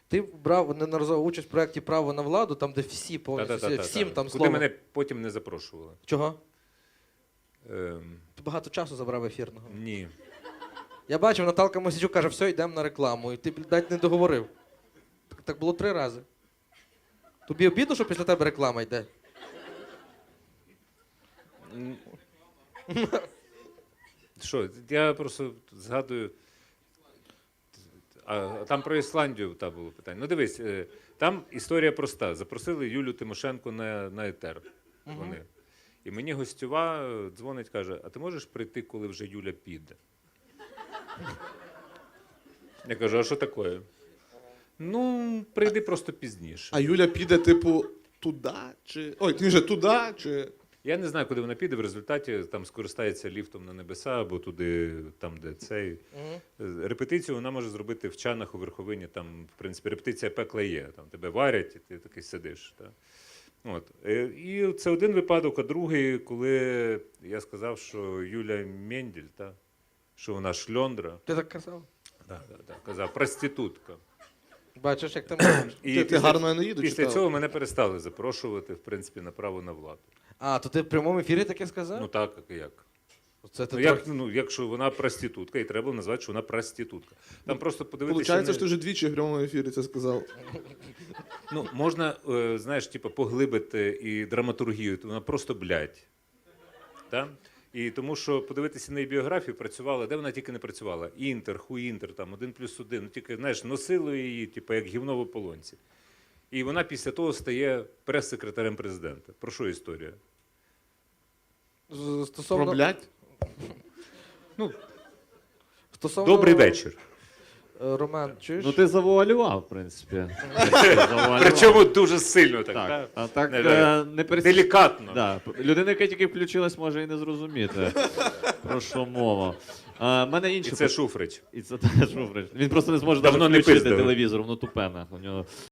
Ти брав неодноразову участь в проєкті «Право на владу», там, де всі повністю, всім там Куди слово. мене потім не запрошували. Чого? Ем, Ти багато часу забрав ефірного. ні. Я бачив, Наталка Мосійчук каже, все, йдемо на рекламу. І ти, блядь, не договорив. Так було 3 рази. Тобі обідно, що після тебе реклама йде? Що, я просто згадую. А там про Ісландію було питання. Ну дивись, там історія проста. Запросили Юлю Тимошенко на етер. Вони. І мені гостьова дзвонить, каже, а ти можеш прийти, коли вже Юля піде? Я кажу, а що таке? Ну, прийди просто пізніше. А Юля піде, типу, туди? Чи... Ой, ти вже туди, чи... Я не знаю, куди вона піде, в результаті там скористається ліфтом на небеса або туди, там, де цей. Репетицію вона може зробити в Чанах у Верховині, там, в принципі, репетиція пекла є. Там тебе варять, і ти такий сидиш. Та. От. І це один випадок, а другий, коли я сказав, що Юля Менділь, та, що вона шльондра. Ти так казав? Да, казав, проститутка. Бачиш, як ти можеш. І Ти гарно Енеїду після читав? цього мене перестали запрошувати, в принципі, на право на владу. А, то ти в прямому ефірі таке сказав? Ну так, як. Це ти Ну, якщо вона проститутка, і треба назвати, що вона проститутка. Там просто подивитися. Получається, що ти вже двічі в прямому ефірі це сказав. Ну, можна, знаєш, типу, поглибити і драматургію, то вона просто блядь. Так? І тому що подивитися на її біографію працювала, де вона тільки не працювала. Інтер, хуінтер, там, 1+1. Ну, тільки, знаєш, носили її, типу, як гівно в ополонці. І вона після того стає прес-секретарем президента. Про що історія? Стосовно... Про блядь? Ну, Стосовно... добрий вечір. Роман, чуєш? Ну ти завуалював, в принципі. Причому дуже сильно так. Так, а так не Делікатно. Да. Людина, яка тільки включилась, може і не зрозуміти, про що мова. Мене І інше це Шуфрич. І це теж Шуфрич. Він просто не зможе Давно навіть не включити пиздили. телевізор, воно тупе. У нього